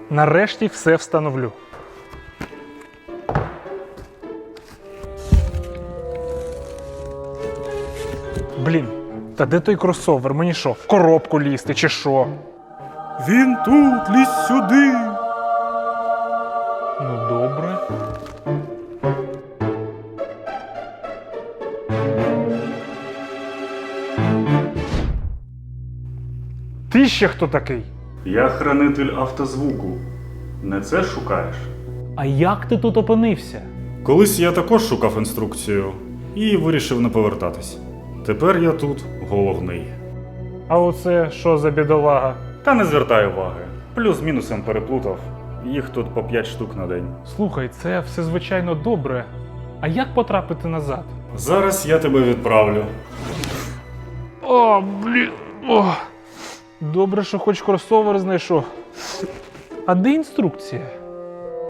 Нарешті все встановлю. Блін, та де той кросовер? Мені що, в коробку лізти чи що? Він тут, лізь сюди. Ну, добре. Ти ще хто такий? Я хранитель автозвуку. Не це шукаєш? А як ти тут опинився? Колись я також шукав інструкцію і вирішив не повертатись. Тепер я тут головний. А оце що за бідолага? Та не звертай уваги. Плюс-мінусом переплутав. Їх тут по 5 штук на день. Слухай, це все звичайно добре. А як потрапити назад? Зараз я тебе відправлю. О, блін. О. Добре, що хоч кросовер знайшов. А де інструкція?